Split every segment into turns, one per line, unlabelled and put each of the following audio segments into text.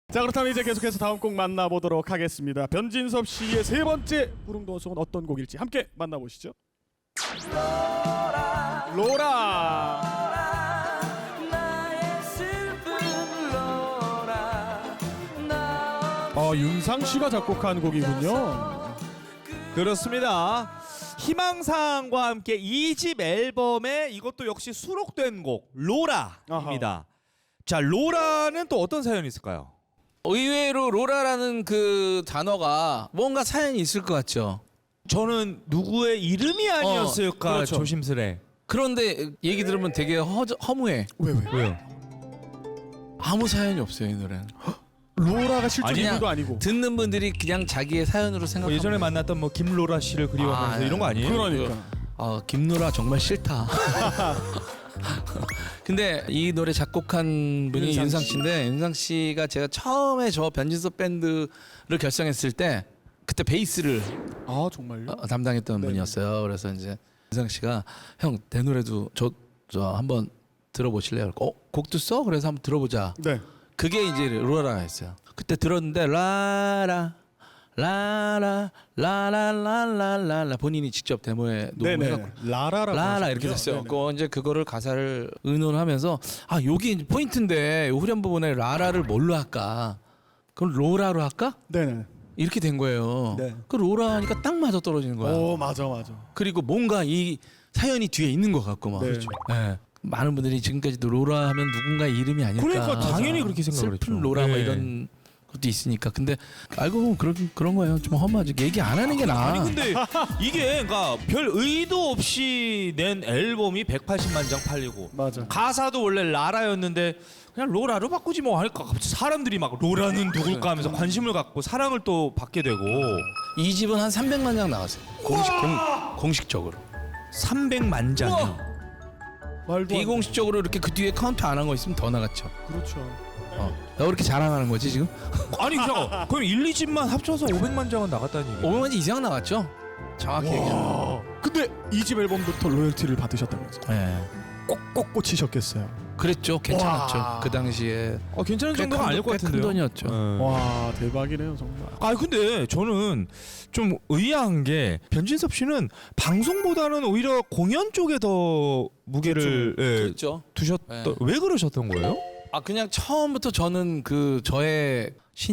자, 그렇다면 이제 계속해서 다음 곡 만나보도록 하겠습니다. 변진섭 씨의 세 번째 무릉도원송은 어떤 곡일지 함께 만나보시죠. 로라. 윤상 씨가 작곡한 곡이군요.
그렇습니다. 희망사항과 함께 2집 앨범에 이것도 역시 수록된 곡 로라입니다.
아하.
자, 로라는 또 어떤 사연이 있을까요?
의외로 로라라는 그 단어가 뭔가 사연이 있을 것 같죠.
저는 누구의 이름이 아니었을까
그렇죠.
조심스레.
그런데 얘기 들으면 되게 허무해.
왜요?
아무 사연이 없어요, 이 노래는.
로라가 실존
그냥
인물도 아니고.
듣는 분들이 그냥 자기의 사연으로 생각하고
예전에 만났던 뭐 김로라 씨를 그리워하면서 이런 거 아니에요?
그러니까.
김노라 정말 싫다. 근데 이 노래 작곡한 분이
윤상
윤상
씨.
씨인데, 윤상 씨가 제가 처음에 저 변진섭 밴드를 결성했을 때 그때 베이스를
아, 정말요?
담당했던
네.
분이었어요. 그래서 이제 윤상 씨가 형 내 노래도 저 한번 들어보실래요? 곡도 써? 그래서 한번 들어보자.
네.
그게 이제 로라였어요. 그때 들었는데 라라 라라 라라라라라 본인이 직접 데모에 녹음해갖고
라라라고
라라
하셨군요.
이렇게 됐어요.
네네.
그 이제 그거를 가사를 의논하면서 아 여기 이제 포인트인데 후렴 부분에 라라를 뭘로 할까? 그럼 로라로 할까?
네네.
이렇게 된 거예요.
네.
그 로라 하니까 딱 맞아 떨어지는 거야.
오, 맞아.
그리고 뭔가 이 사연이 뒤에 있는 것 같고 막.
네.
그렇죠. 네. 많은 분들이 지금까지도 로라 하면 누군가의 이름이 아닐까.
그러니까 당연히 그렇게 생각을
슬픈
했죠.
로라 뭐
네.
이런 것도 있으니까. 근데 알고 보면 그런 거예요. 좀 험하지. 얘기 안 하는 게 나아.
아니 근데 이게 그러니까 별 의도 없이 낸 앨범이 180만 장 팔리고
맞아.
가사도 원래 라라였는데 그냥 로라로 바꾸지 뭐 할까. 갑자기 사람들이 막 로라는 누굴까 하면서 관심을 갖고 사랑을 또 받게 되고
이 집은 한 300만 장 나왔어요. 공식적으로.
300만 장이요.
말도 안 돼.
비공식적으로 이렇게 그 뒤에 카운트 안 한 거 있으면 더 나갔죠.
그렇죠.
나 왜 이렇게 자랑하는 거지 지금?
아니 잠깐 그럼 1, 2집만 합쳐서 500만 장은 나갔다는 얘기예요?
500만 장 이상 나갔죠. 정확히 얘기하면.
근데 이 집 앨범부터 로열티를 받으셨다면서요?
네.
꼭꼭 꽂히셨겠어요.
그랬죠. 괜찮았죠.
와.
그 당시에.
괜찮은
꽤
정도가 아닐 것
큰
같은데요.
돈이었죠.
와, 대박이네요, 정말.
아 근데 저는 좀 의아한 게 변진섭 씨는 방송보다는 오히려 공연 쪽에 더 무게를
그렇죠.
두셨던
네.
왜 그러셨던 거예요?
그냥 처음부터 저는 그 저의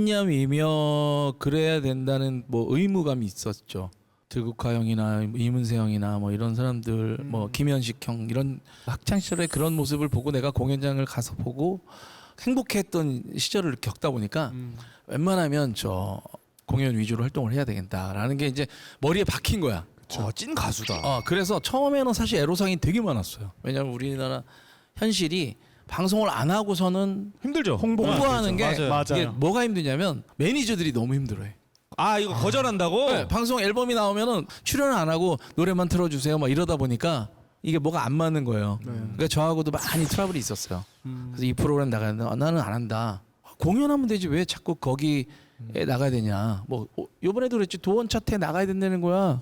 신념이며 그래야 된다는 뭐 의무감이 있었죠. 들국화 형이나 이문세 형이나 뭐 이런 사람들, 뭐 김현식 형 이런 학창 시절의 그런 모습을 보고 내가 공연장을 가서 보고 행복했던 시절을 겪다 보니까 웬만하면 저 공연 위주로 활동을 해야 되겠다라는 게 이제 머리에 박힌 거야.
찐 가수다.
그래서 처음에는 사실 애로사항이 되게 많았어요. 왜냐하면 우리나라 현실이 방송을 안 하고서는
힘들죠.
홍보하는 게
맞아요.
이게 뭐가 힘드냐면 매니저들이 너무 힘들어해.
이거 거절한다고?
네, 방송 앨범이 나오면은 출연을 안 하고 노래만 틀어주세요 막 이러다 보니까 이게 뭐가 안 맞는 거예요. 그러니까 저하고도 많이 트러블이 있었어요. 그래서 이 프로그램 나가는데 나는 안 한다. 공연하면 되지 왜 자꾸 거기에 나가야 되냐. 뭐 요번에도 그랬지 도원 차트에 나가야 된다는 거야.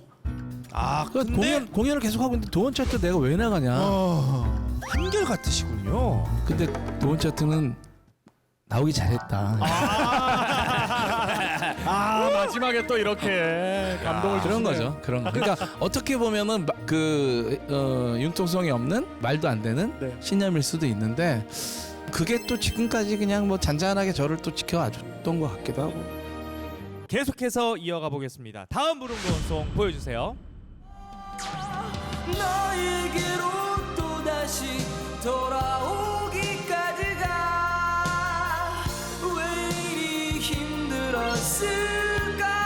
근데
공연을 계속 하고 있는데 도원 차트 내가 왜 나가냐.
한결 같으시군요.
근데 도원 차트는 나오기 잘했다.
마지막에 또 이렇게 감동을
그런
주시네요.
거죠. 그런 거. 그러니까 어떻게 보면은 융통성이 없는 말도 안 되는
네.
신념일 수도 있는데 그게 또 지금까지 그냥 뭐 잔잔하게 저를 또 지켜와줬던 것 같기도 하고.
계속해서 이어가 보겠습니다. 다음 무릉도원송 보여주세요.
너에게로 또다시 돌아오기까지가 왜 이리 힘들었을까.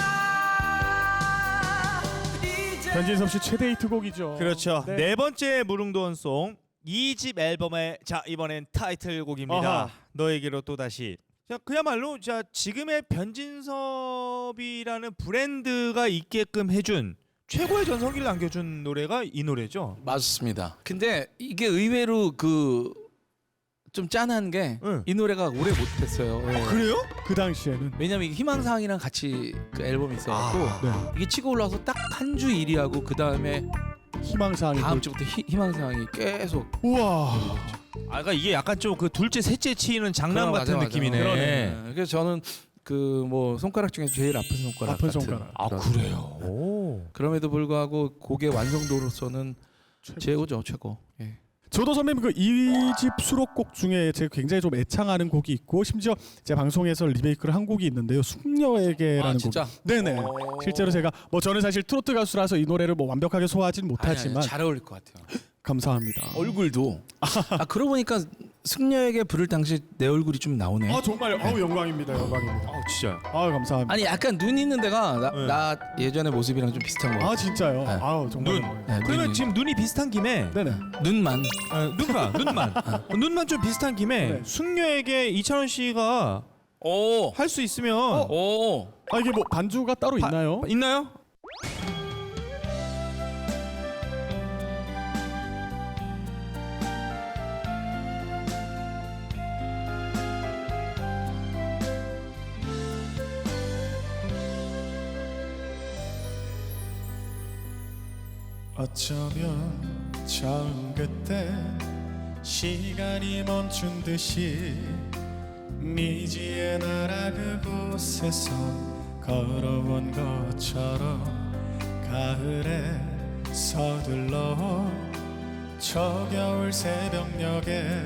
변진섭 씨 최대 히트곡이죠.
그렇죠.
네.
네 번째 무릉도원송 2집 앨범의 이번엔 타이틀곡입니다.
아하.
너에게로 또다시. 자, 그야말로 지금의 변진섭이라는 브랜드가 있게끔 해준 최고의 전성기를 남겨준 노래가 이 노래죠.
맞습니다. 근데 이게 의외로 좀 짠한 게 이
응.
노래가 오래 못했어요.
그래요? 그 당시에는.
왜냐면 이게 희망사항이랑 같이 그 앨범이 있어갖고
네.
이게 치고 올라와서 딱 한 주 1위하고 그 다음에
희망사항이
다음 주부터 희망사항이 계속
우와.
그러니까 이게 약간 좀 그 둘째 셋째 치는 장난
그럼
같은
맞아.
느낌이네.
그러네.
그래서 저는 그 뭐 손가락 중에 제일 아픈 손가락
아픈
같은
손가락.
아
그런-
그래요. 오.
그럼에도 불구하고 곡의 완성도로서는 최고죠, 최고. 예.
저도 선배님 그 2집 수록곡 중에 제가 굉장히 좀 애창하는 곡이 있고 심지어 제 방송에서 리메이크를 한 곡이 있는데요. 숙녀에게라는
아
곡.
진짜?
네네.
오.
실제로 제가 뭐 저는 사실 트로트 가수라서 이 노래를 뭐 완벽하게 소화하진 못하지만
잘 어울릴 것 같아요.
감사합니다.
얼굴도. 아 그러고 보니까 승려에게 부를 당시 내 얼굴이 좀 나오네.
아 정말 아우 영광입니다. 영광입니다.
아 진짜.
아 감사합니다.
아니 약간 눈 있는 데가
네.
나 예전에 모습이랑 좀 비슷한 거.
아 진짜요?
네.
아우 정말.
눈.
영광이에요.
네,
그러면
눈이.
지금 눈이 비슷한 김에
네네.
눈만.
눈만 좀 비슷한 김에
네.
숙녀에게 이찬원 씨가
오.
할 수 있으면
오.
아 이게 뭐 반주가 따로 있나요?
있나요?
어쩌면 처음 그때 시간이 멈춘 듯이 미지의 나라 그곳에서 걸어온 것처럼 가을에 서둘러 저 겨울 새벽녘에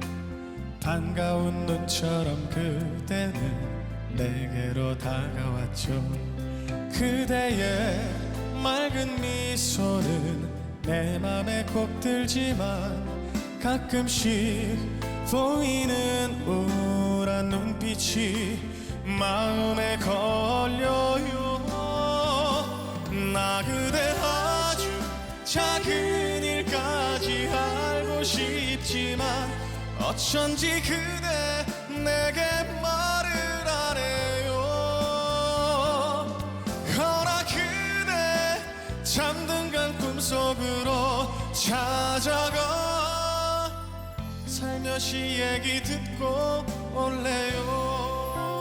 반가운 눈처럼 그대는 내게로 다가왔죠. 그대의 맑은 미소는 내 맘에 꼭 들지만 가끔씩 보이는 우울한 눈빛이 마음에 걸려요. 나 그대 아주 작은 일까지 알고 싶지만 어쩐지 그대 내게 말을 안 해요. 허나 그대 잠든 간 꿈속으로 찾아가 살며시 얘기 듣고 올래요.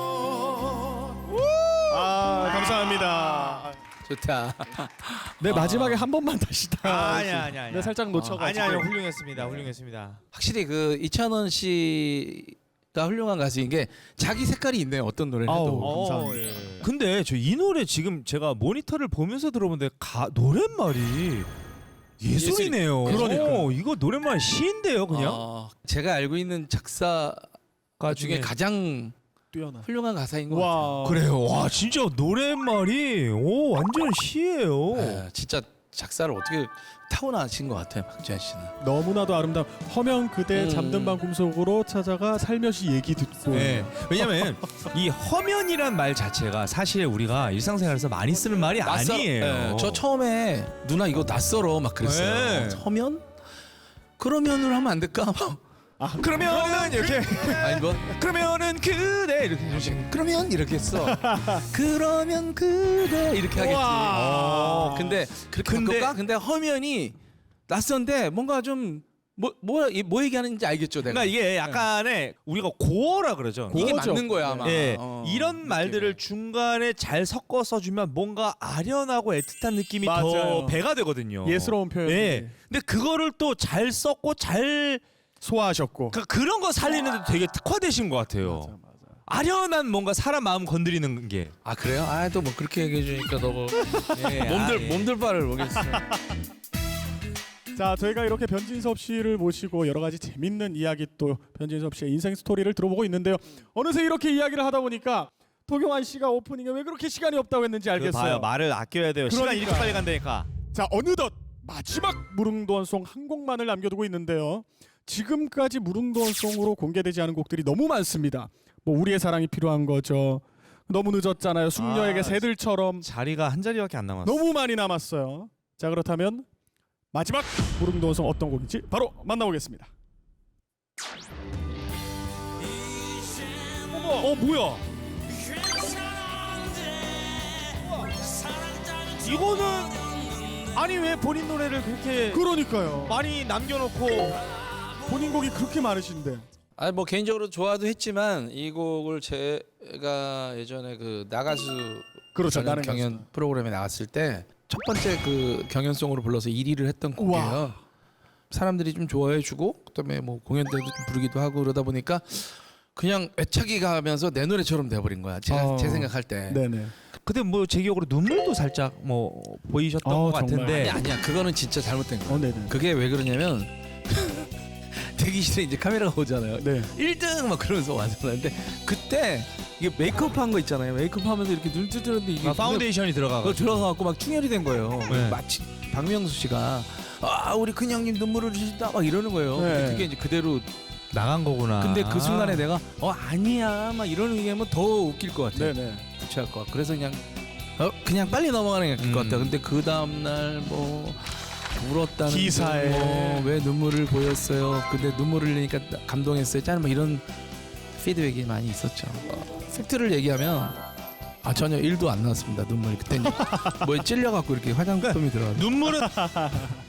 아 감사합니다.
좋다.
네 마지막에 한 번만 다시 다.
아니야.
네 살짝 놓쳐가지고.
아니야 훌륭했습니다.
확실히 그 이찬원 씨가 훌륭한 가수인 게 자기 색깔이 있네요. 어떤 노래를 해도.
아우, 감사합니다.
근데 저 이 노래 지금 제가 모니터를 보면서 들어보는데 노랫말이 예술이네요.
그러니까요.
이거 노랫말 시인데요, 그냥.
제가 알고 있는 작사가 중에 가장
뛰어나.
훌륭한 가사인 것 같아요.
와
그래요. 와 진짜 노랫말이 완전 시예요.
네, 진짜 작사를 어떻게 타고나신 것 같아요, 박지현 씨는.
너무나도 아름다운 허면 그대 잠든 밤 꿈속으로 찾아가 살며시 얘기 듣고.
네. 왜냐면 이 허면이란 말 자체가 사실 우리가 일상생활에서 많이 쓰는 말이 아니에요.
네, 저 처음에 누나 이거 낯설어 막 그랬어요.
네.
서면? 그러면으로 하면 안 될까?
그러면은 이렇게
아니 뭐
그러면은 그대 이렇게
그러면 이렇게 했어. 그러면 그대 이렇게 하겠지.
우와.
근데 그렇게
근데-
바꿀까? 근데 허면이 낯선데 뭔가 좀 뭐 얘기하는지 알겠죠, 내가.
그러니까 이게 약간의 우리가 고어라 그러죠.
이게
고어죠.
맞는 거야 아마.
예,
어,
이런 말들을
느낌이.
중간에 잘 섞어서 주면 뭔가 아련하고 애틋한 느낌이 더
맞아요.
배가 되거든요.
예스러운 표현.
예. 근데 그거를 또 잘 썼고 잘
소화하셨고.
그런 거 살리는데 되게 특화되신 것 같아요.
맞아.
아련한 뭔가 사람 마음 건드리는 게.
아 그래요? 아 또 뭐 그렇게 얘기해 주니까 너무
예,
몸들 바를 모르겠어.
자 저희가 이렇게 변진섭 씨를 모시고 여러 가지 재밌는 이야기 또 변진섭 씨의 인생 스토리를 들어보고 있는데요. 어느새 이렇게 이야기를 하다 보니까 도경환 씨가 오프닝에 왜 그렇게 시간이 없다고 했는지 알겠어요.
봐요. 말을 아껴야 돼요. 시간
그러니까.
이렇게 빨리 간다니까.
자 어느덧 마지막 무릉도원송 한 곡만을 남겨두고 있는데요. 지금까지 무릉도원송으로 공개되지 않은 곡들이 너무 많습니다. 뭐 우리의 사랑이 필요한 거죠. 너무 늦었잖아요. 숙녀에게
아,
새들처럼
자리가 한 자리밖에 안 남았어.
너무 많이 남았어요. 자 그렇다면 마지막 무릉도원송 어떤 곡인지 바로 만나보겠습니다.
어머, 뭐야? 이거는 아니 왜 본인 노래를 그렇게
그러니까요.
많이 남겨놓고
본인 곡이 그렇게 많으신데.
아니 뭐 개인적으로 좋아도 했지만 이 곡을 제가 예전에 그 나가수
그렇죠.
저는
나는
경연 프로그램에 나왔을 때 첫 번째 그 경연송으로 불러서 1위를 했던
우와.
곡이에요. 사람들이 좀 좋아해주고 그다음에 뭐 공연 때도 좀 부르기도 하고 그러다 보니까 그냥 애착이 가면서 내 노래처럼 돼버린 거야. 제 생각할 때.
네네.
근데 뭐 제 기억으로 눈물도 살짝 뭐 보이셨던 것
정말.
같은데.
아니야 그거는 진짜 잘못된 거야.
네네.
그게 왜 그러냐면 대기실에 이제 카메라가 오잖아요.
네.
1등 막 그러면서 와잖아요. 근데 그때 이게 메이크업한 거 있잖아요. 메이크업하면서 이렇게 눈 뜨는데 이게
파운데이션이
그거
들어가고.
들어가갖고 막 충혈이 된 거예요.
네.
마치 박명수 씨가 우리 큰 형님 눈물을 주신다 막 이러는 거예요.
네.
근데 그게 이제 그대로.
나간 거구나.
근데 그 순간에 내가 아니야 막 이러는 얘기하면 더 웃길 것 같아.
네네.
부채할 것 같아. 그래서 그냥 빨리 넘어가는 게 나을 것 같아. 근데 그 다음 날 뭐 울었다는
기사에.
왜 눈물을 보였어요. 근데 눈물을 흘리니까 감동했어요. 짠 뭐 이런 피드백이 많이 있었죠. 팩트를 얘기하면 전혀 1도 안 나왔습니다. 눈물이 그때 뭐에 찔려갖고 이렇게 화장품이 들어가.
눈물은